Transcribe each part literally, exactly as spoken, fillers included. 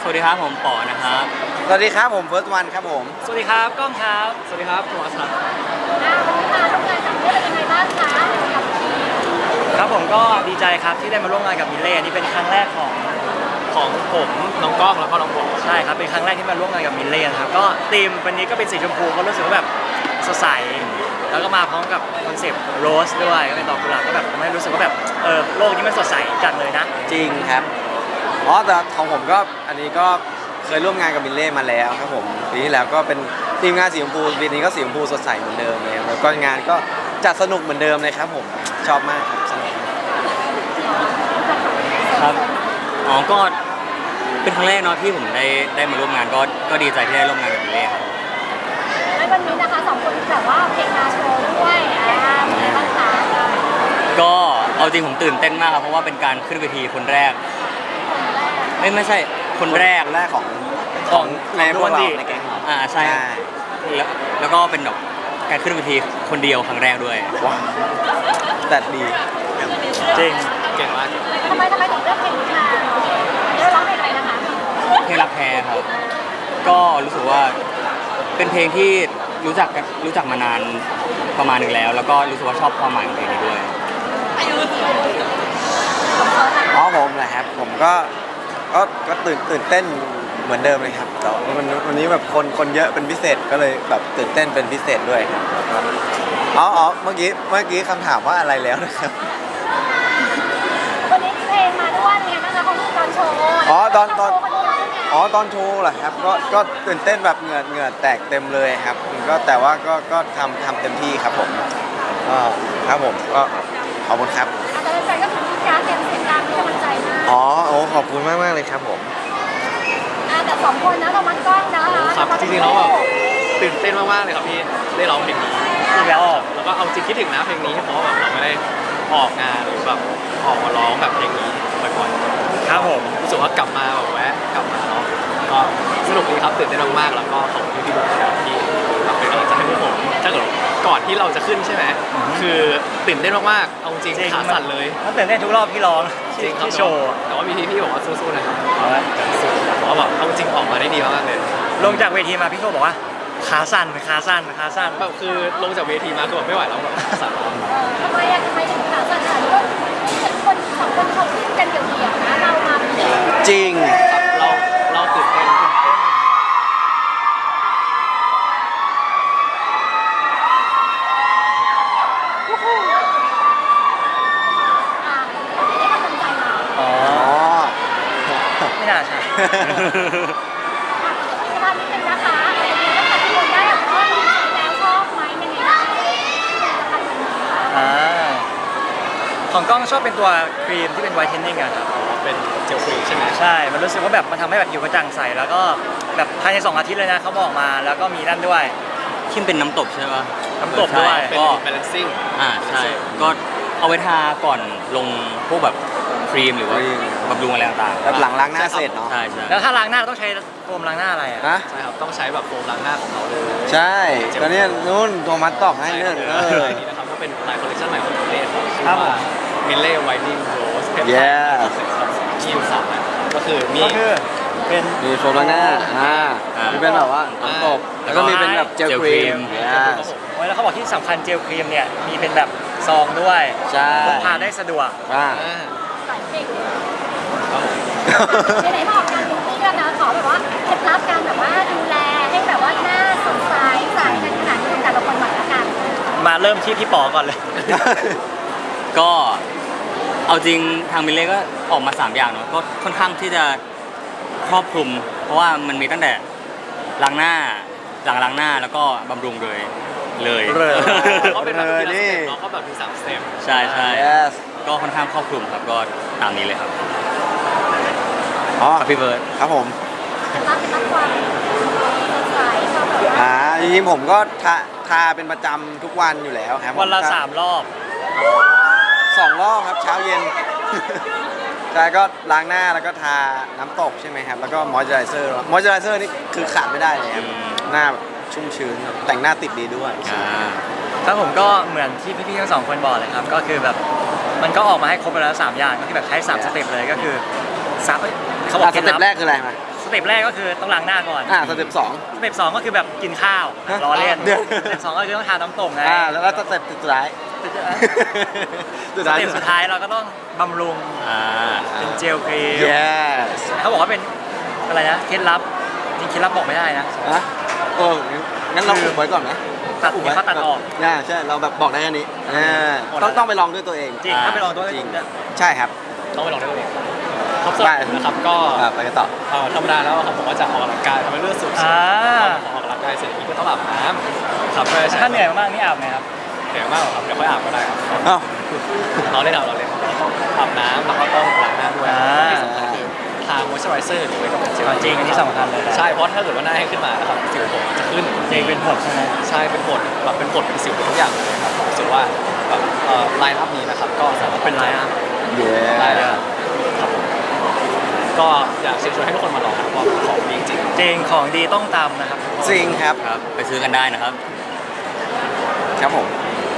วัสดีครับผมป๋อนะครับสวัสดีครับผมเฟิร์สวันครับผมสวัสดีครับก้องครับสวัสดีครับโทมัสครับวันนี้มาร่วมงานกับคู่เป็นยังไงบ้างคะกับทีมครับผมก็ดีใจครับที่ได้มาร่วมงานกับมิเล่นี่เป็นครั้งแรกของของผมน้องก้องแล้วก็น้องป๋อใช่ครับเป็นครั้งแรกที่มาร่วมงานกับมิเล่นะครับก็ธีมวันนี้ก็เป็นสีชมพูก็รู้สึกว่าแบบสดใสแล้วก็มาพร้อมกับคอนเซปต์โรสด้วยก็เป็นดอกกุหลาบก็แบบทำให้รู้สึกว่าแบบเออโลกนี้มันสดใสจัดเลยนะจริงครับอ๋อแต่ของผมก็อันนี้ก็เคยร่วมงานกับมิลเล่มาแล้วครับผมปีที่แล้วก็เป็นทีมงานสีชมพูปีนี้ก็สีชมพูสดใสเหมือนเดิมเลยแล้วก็งานก็จัดสนุกเหมือนเดิมเลยครับผมชอบมากครับสนุกครับอ๋อก็เป็นครั้งแรกเนาะที่ผมได้ได้มาร่วมงานก็ก็ดีใจที่ได้ร่วมงานกับมิเล่ครับในวันนี้นะคะสองคนแบบว่าเพลงมาโชว์ด้วยอ่าเป็นไงบ้างคะก็เอาจริงผมตื่นเต้นมากครับเพราะว่าเป็นการขึ้นเวทีคนแรกไม่ไม่ใช่คนแรกแรกของของในพวกเราในแก๊งอ่าใช่แล้วแล้วก็เป็นแบบการขึ้นเวทีคนเดียวครั้งแรกด้วยว้าวแต่ดีจริงเก่งมากทำไมทำไมถึงเลือกเพลงนี้มาได้ร้องเพลงอะไรนะคะเพลงรักแท้ครับก็รู้สึกว่าเป็นเพลงที่รู้จักรู้จักมานานประมาณหนึ่งแล้วแล้วก็รู้สึกว่าชอบความหมายของเพลงนี้ด้วยอ๋อผมแหละครับผมก็ก็ก็ตื่นตื่นเต้นเหมือนเดิมเลยครับแต่วันวันนี้แบบคนคนเยอะเป็นพิเศษก็เลยแบบตื่นเต้นเป็นพิเศษด้วยครับอ๋ออ๋อเมื่อกี้เมื่อกี้คำถามว่าอะไรแล้วนะครับวันนี้มีเพลงมาด้วยไงบ้างคะของตอนโชว์อ๋อตอนตอนอ๋อตอนโชว์เหรอครับก็ก็ตื่นเต้นแบบเหงื่อเหงื่อแตกเต็มเลยครับก็แต่ว่าก็ก็ทำทำเต็มที่ครับผมก็ครับผมก็ขอบคุณครับแต่แฟนก็คือที่การเตรียมเสียงดังให้กำลังใจมากอ๋อโอ้ขอบคุณมากมากเลยครับผมแต่สองคนนะเรามันกล้องนะคะครับจริงๆแล้วแบบตื่นเต้นมากๆเลยครับพี่ได้ร้องเพลงนี้แล้วแล้วก็เอาจริงคิดถึงนะเพลงนี้เพราะแบบเราไม่ได้ออกงานหรือแบบออกมาร้องแบบเพลงนี้บ่อยๆครับผมรู้สึกว่ากลับมาแบบแวะกลับมาเนาะก็สนุกดีครับตื่นเต้นมากๆแล้วก็ขอบคุณพี่ๆทุกคนที่เป็นกำลังใจให้พวกผมถ้าเกิดก่อนที่เราจะขึ้นใช่ไหมคือตื่นเต้นมากๆเอาจริงขาสั่นเลยมันตื่นเต้นทุกรอบที่ร้องจริงครับโชว์แต่ว่ามีพี่ๆบอกว่าสู้ๆนะครับเพราะว่าแบบเอาจริงออกมาได้ดีมากเลยลงจากเวทีมาพี่โชบอกว่าขาสั่นขาสั่นขาสั่นแบบคือลงจากเวทีมาคือแบบไม่ไหวแล้วแบบสั่นทำไมอะทำไมถึงขาสั่นขนาดนี้ก็คนสองคนเขาขึ้นกันเดี่ยวๆนะเรามาจริงเราเราตื่นเต้นไม่น่าใช่ทำนิดนึงนะคะถ้าทุกคนได้แบบว่าลองใช้แล้วชอบไหมยังไงบ้างอ่าของกล้องชอบเป็นตัวครีมที่เป็นไวท์เทนนิ่งอะครับเป็นเจลฟรีใช่ไหมใช่มันรู้สึกว่าแบบมันทำให้แบบผิวกระจ่างใสแล้วก็แบบภายในสองอาทิตย์เลยนะเขาบอกมาแล้วก็มีนั่นด้วยคิมเป็นน้ำตบใช่ไหมน้ำตบด้วยก็ balancing อ่าใช่ก็เอาไว้ทาก่อนลงพวกแบบครีมหรือว่าบำรุงอะไรต่างๆแบบหลังล้างหน้าเสร็จเนาะใช่ใช่แล้วถ้าล้างหน้าต้องใช้โฟมล้างหน้าอะไรอ่ะใช่ครับต้องใช้แบบโฟมล้างหน้าของเราเลยใช่ตอนนี้นู่นโทมัสตอบให้เนื่องเออนี่นะครับก็เป็นลายคอลเลคชั่นใหม่ของมิเล่ครับชื่อว่ามิเล่ไวท์นิ่งโรสเพปไทด์ที่อยู่สามก็คือมีก็คือเป็นมีโฟมล้างหน้าอ่ามีเป็นแบบว่าน้ำตบแล้วก็มีเป็นแบบเจลครีมแล้วเขาบอกที่สำคัญเจลครีมเนี่ยมีเป็นแบบซองด้วยใช่พกพาได้สะดวกอ่าไหนๆบอกการบิวตี้แล้วนะขอแบบว่าเคล็ดลับการแบบว่าดูแลให้แบบว่าหน้าสดใสใสกันขนาดนี้แต่ละคนหมดละกันมาเริ่มที่พี่ป๋อก่อนเลยก็เอาจริงทางมิเล่ก็ออกมาสามอย่างเนาะก็ค่อนข้างที่จะครอบคลุมเพราะว่ามันมีตั้งแต่ล้างหน้าหลังล้างหน้าแล้วก็บำรุงเลยเลยเขาเป็นแบบที่เราเนาะเขาแบบมีสามสเต็ปใช่ใช่ก็ค่อนข้างครอบคลุมครับก็ตามนี้เลยครับอ๋อพี่เบิร์ดครับผมรับรับความสดใสชอบแบบอ่าจริงๆผมก็ทาทาเป็นประจำทุกวันอยู่แล้วครับวันละสามรอบสองรอบครับเช้าเย็นใช่ก็ล้างหน้าแล้วก็ทาน้ำตกใช่ไหมครับแล้วก็มอยเจอไรเซอร์มอยเจอไรเซอร์นี่คือขาดไม่ได้เลยครับหน้าชุ่มชื้นแต่งหน้าติดดีด้วยครับผมก็เหมือนที่พี่ๆทั้งสองคนบอกเลยครับก็คือแบบมันก็ออกมาให้ครบไปแล้วสามอย่างก็คือแบบใช้สามสเต็ปเลยก็คือสามเขาบอกสเต็ปแรกคืออะไรมาสเต็ปแรกก็คือต้องล้างหน้าก่อนอ่าสเต็ปสองสเต็ปสองก็คือแบบกินข้าวฮะรอเล่นเดี๋ยวสเต็ปสองก็คือต้องทานน้ำตกไงอ่าแล้วก็สเต็ปสุดท้ายสเต็ปสุดท้ายเราก็ต้องบำรุงอ่าเป็นเจลครีม yes เขาบอกว่าเป็นอะไรนะเคล็ดลับจริงเคล็ดลับบอกไม่ได้นะฮะโอ้งั้นเราอุบไว้ก่อนนะตัดเนี่ยเขาตัดออกอ่าใช่เราแบบบอกได้แค่นี้อ่าต้องต้องไปลองด้วยตัวเองจริงถ้าไปลองตัวจริงเนี่ยใช่ครับต้องไปลองด้วยตัวเองครับสำหรับผมนะครับก็อ่าไปกันต่อเอ่อธรรมดาแล้วครับผมก็จะออกกำลังกายทำให้เลือดสูบฉีดอ่าออกกำลังกายเสร็จนี้ก็ต้องอาบน้ำครับเพื่อใช้ถ้าเหนื่อยมากๆนี่อาบไหมครับเหนื่อยมากหรอครับเดี๋ยวค่อยอาบก็ได้ครับอ้าวเราเล่นเอาเราเล่นเราต้องอาบน้ำแล้วก็ต้องล้างหน้าด้วยอ่าที่สำคัญคือทามอยเจอไรเซอร์หรือไม่ก็เป็นเจลจริงอันนี้สำคัญเลยนะใช่เพราะถ้าเกิดว่าหน้าให้ขึ้นมานะครับสิวผมจะขึ้นจริงเป็นผดใช่ไหมใช่เป็นผดแบบเป็นผดเป็นสิวเป็นทุกอย่างเลยครับผมรู้สึกว่าแบบเอ่อไลน์อัพนี้นะครับก็สามารถเป็นไรอ่ะเย้ได้เลยครับผมก็อยากเชิญชวนให้ทุกคนมาลองนะครับเพราะของดีจริงจริงของดีต้องตามนะครับจริงครับครับไปซื้อกันได้นะครับครับผม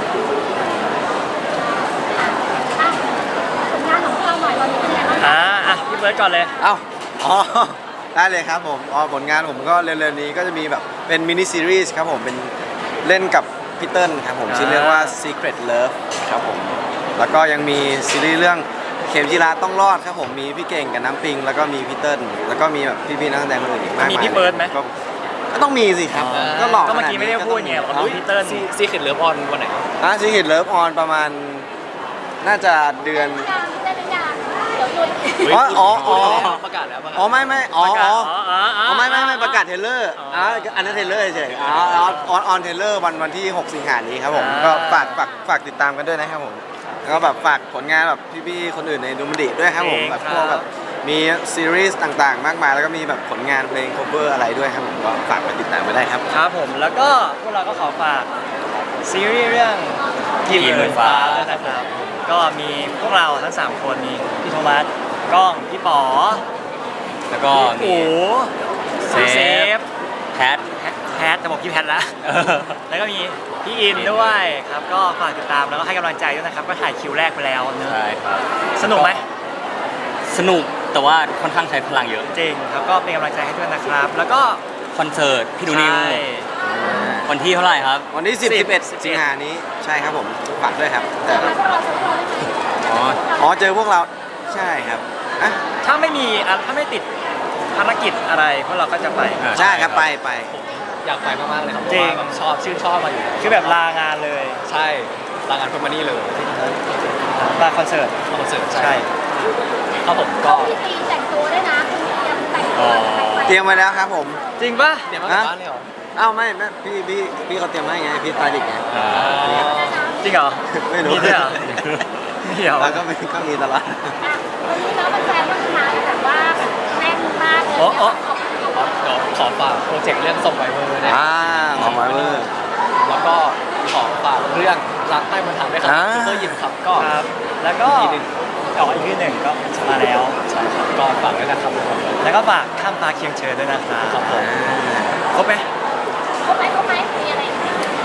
อ่ะผลงานของพวกเราหน่อยตอนนี้เป็นยังไงบ้างคะอ่าอ่ะพี่เบิร์ดก่อนเลยเอ้าอ๋อได้เลยครับผมอ๋อผลงานผมก็เร็วๆนี้ก็จะมีแบบเป็นมินิซีรีส์ครับผมเป็นเล่นกับพี่เติ้ลครับผมชื่อเรื่องว่า Secret Love ครับผมแล้วก็ยังมีซีรีส์เรื่องเข็มจีราต้องรอดครับผมมีพี่เก่งกับน้ำปิง แล้วก็มีพี่เติ้ลแล้วก็มีแบบพี่ๆนักแสดงคนอื่นอีกมากมายมีพี่เบิร์ดไหมก็ก็ต้องมีสิครับอ๋อก็หลอกก็เมื่อกี้ไม่ได้พูดไงบอกว่าอ๋อพี่เติ้ลซีเค็ดเลิฟออนวันไหนอ่ะ Secret Love ออนประมาณน่าจะเดือนยังได้หรือยังเดี๋ยวลุยอ๋ออ๋ออ๋อประกาศแล้วประกาศอ๋อไม่ไม่อ๋อประกาศอ๋ออ๋ออ๋ออ๋ออ๋อไม่ไม่ไม่ประกาศเทรลเลอร์อ๋ออ่าอันนั้นเทรลเลอร์เฉยๆอ๋อออนออนออนเทรลเลอร์วันวันที่ หก สิงหานี้ครับผมอ่าก็ฝากฝากฝากติดตามกันด้วยนะครับผมแล้วก็แบบฝากผลงานแบบพี่ๆคนอื่นในดูมันดิด้วยครับผมจริงแบบพครัวบกแบบมีซีรีส์ต่างๆ มากมายแล้วก็มีแบบผลงานเพลง cover อะไรด้วยครับผมก็ฝากไปติดตามไปได้ครับครับผมแล้วก็พวกเราก็ขอฝากซีรีส์เรื่องกินหมื่นฟ้าด้วยนะครับก็มีพวกเราทั้งสามคนมีพี่โทมัสกล้องพี่ป๋อแล้วก็พี่มีอู๋เซฟเซฟแพทแพทแพทแต่บอกพี่แพทละ แล้วก็มีพี่อินด้วยครับก็ฝากติดตามแล้วก็ให้กำลังใจด้วยนะครับก็ถ่ายคิวแรกไปแล้วเนอะใช่ครับสนุกไหมสนุกแต่ว่าค่อนข้างใช้พลังเยอะจริงครับก็เป็นกำลังใจให้ด้วยนะครับ แล้วก็คอนเสิร์ตพี่ดูนิวใช่วันที่เท่าไหร่ครับวันที่ สิบสิบสิบเอ็ดสิบเอ็ดสิงหานี้ใช่ครับผมฝากด้วยครับแต่พวกเราจะพวกเราได้ไหมอ๋ออ๋อเจอพวกเราใช่ครับอ่ะถ้าไม่มีอ่ะถ้าไม่ติดภารกิจอะไรพวกเราก็จะไปอ่าใช่ครับไปไปอยากไปมากๆเลยครับเพจริราะงว่าแบบชอบชื่นชอบมาอยู่แล้วคือแบบลางานเลยใช่ลางานเพื่อมานี่เลยมาคอนเสิร์ตคอนเสิร์ตใช่ใช่ครับผมก็พี่ตีแต่งตัวด้วยนะคุณเตรียมแต่งตัวแต่งไปเตรียมไว้แล้วครับผมจริงปะเดี๋ยวมาจากบ้านเลยเหรออ้าวไม่ไม่พี่พี่พี่เขาเตรียมให้ไงพี่สไตลิสต์ไงอ่าจริงเหรอไม่รู้มีด้วยเหรอมีเหรอแล้วก็มีก็มีตลอดอ่ะวันนี้เราเป็นแฟนก็คือมาแบบว่าแน่นมากเลยโอ้โอ้ขอบคุณเดี๋ยวขอฝากโปรเจกต์เรื่องส่งไวเวอร์เนี่ยอ่าของมาเวอร์แล้วก็ขอฝากเรื่องรักใต้บรรทัดด้วยครับอ่าซูเปอร์ยิมครับก็ครับ แล้วก็อีกทีหนึ่งอ๋ออีกที่หนึ่งก็มาแล้วใช่ครับก็ฝากด้วยนะครับทุกคนแล้วก็ฝากข้ามฟ้าเคียงเชิญด้วยนะครับครับผมครบไหมครบไหมครบไหมมีอะไรอีกไหม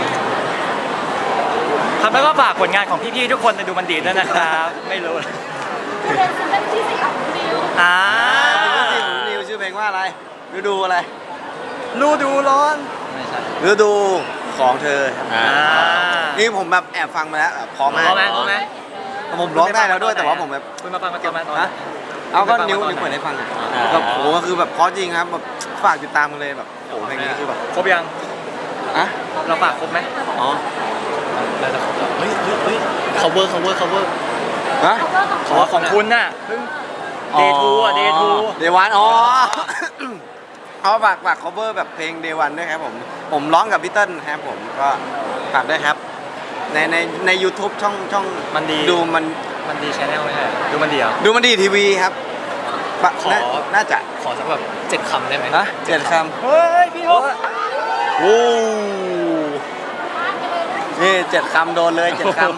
ครับแล้วก็ฝากผลงานของพี่ๆทุกคนในดูมันดีด้วยนะครับ ไม่รู้คือเป็นซิงเกิลที่สี่ของดิวอ่าซิงเกิลที่ของนิวชื่อเพลงว่าอะไรฤดูอะไรรูดูร้อนไม่ใช่ฤดูของเธอครับอ่าอ่านี่ผมแบบแอบฟังมาแล้วแบบพร้อมมากพร้อมไหมพร้อมไหมผมร้องได้แล้วด้วยแต่ว่าผมแบบคุณมาฟังมาตอนไหนตอนไหนฮะเอาก็นิ้วคุณไปฟังมาตอนไหนนิ้วเปิดให้ฟังอ่าแบบโอ้โหก็คือแบบเพราะจริงครับแบบฝากติดตามกันเลยแบบโอ้โหเพลงนี้คือแบบครบยังอ่ะเราฝากครบไหมอ๋อแล้วจะเฮ้ยเฮ้ยเฮ้ย cover cover cover ฮะครบแล้วของขอของคุณน่ะเพิ่งเดทูอ่ะเดทูเดวันอ๋อ เอาฝากฝาก cover แบบเพลง Day One ด้วยครับผม ผมร้องกับพี่เติ้ลครับผมก็ฝากด้วยครับ ในในใน YouTube ช่องช่องมันดีดูมันมันดีชแนลไม่ใช่ดูมันดีเหรอดูมันดีทีวีครับปะขอน่าน่าจะขอสักแบบเจ็ดคำได้ไหมนะเจ็ดคเฮ้ยพี่โอ๊ตำโอ้นี่เจ็ดคำโดนเลยเจ็ดคำ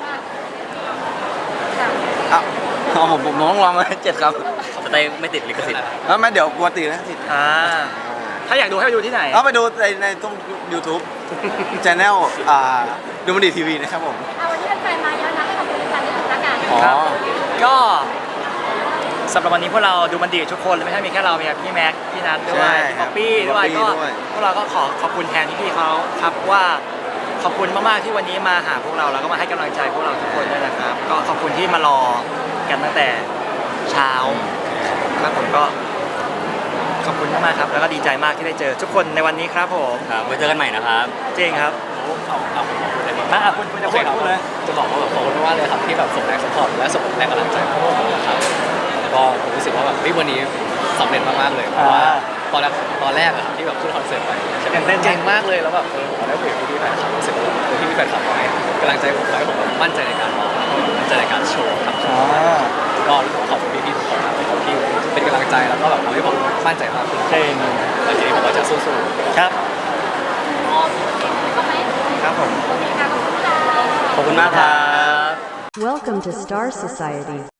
เอาเอาผมผมต้องลองเลยเจ็ดคำสเตย์ไม่ติดลิขสิทธิ์แล้วไม่เดี๋ยวกลัวตีนะติดอ่าถ้าอยากดูให้ไปดูที่ไหนเอาไปดูในในตรง YouTube Channel อ่าดูมันดีทีวีนะครับผมเอาวันนี้เป็นแฟนมาเยอะนะให้ขอบคุณแฟนที่ถึงละกันอ๋อก็สำหรับวันนี้พวกเราดูมันดีทุกคนไม่ใช่มีแค่เรามีพี่แม็กพี่นัทด้วใช่ยพี่ครัป๊อบ ปปี้ด้วยพี่ก็ป๊อปปี้ด้วยพวกเราก็ขอขอบคุณแทนพี่ๆเขาครับว่าขอบคุณมากๆที่วันนี้มาหาพวกเราแล้วก็มาให้กำลังใจพวกเราทุกคนด้วยนะครับ ก็ขอบคุณที่มารอกันตั้งแต่เช้าครับผมก็ขอบคุณมากๆครับแล้วก็ดีใจมากที่ได้เจอทุกคนในวันนี้ครับผมครับไว้เจอกันใหม่นะครับจริงครับเอาเอาผมขอบคุณเลยมาอ่ะคุณคุณจะโอพูเคดครับพูดเลยจะบอกว่าแบบขอบคุณมากๆเลยครับที่แบบส่งแรงสปอร์ตและส่งแรงกำลังใจให้พวกผมนะครับก็ผมรู้สึกว่าแบบเฮ้ยวันนี้สำเร็จมากๆเลยเพราะว่าตอนแรกตอนแรกอะครับที่แบบขึ้นคอนเสิร์ตไปใช่ไหมเก่งมากเลยแล้วแบบเออผมได้คุยกับพี่ๆแฟนคลับรู้สึกว่าแบบเออพี่ๆแฟนคลับให้กำลังใจผมให้ผมแบบมั่นใจในการร้องมั่นใจในการโชว์ครับอ่าก็รู้สึกว่าขอบคุณพี่ๆทุกคนนะครับที่เป็นกำลังใจแล้วก็แบบทำให้ผมมั่นใจมากขึ้นจริงแล้วทีนี้ผมก็จะสู้ๆครับโอเคเข้าไหมครับผมโอเคค่ะขอบคุณค่ะขอบคุณมากครับ Welcome to Star Society.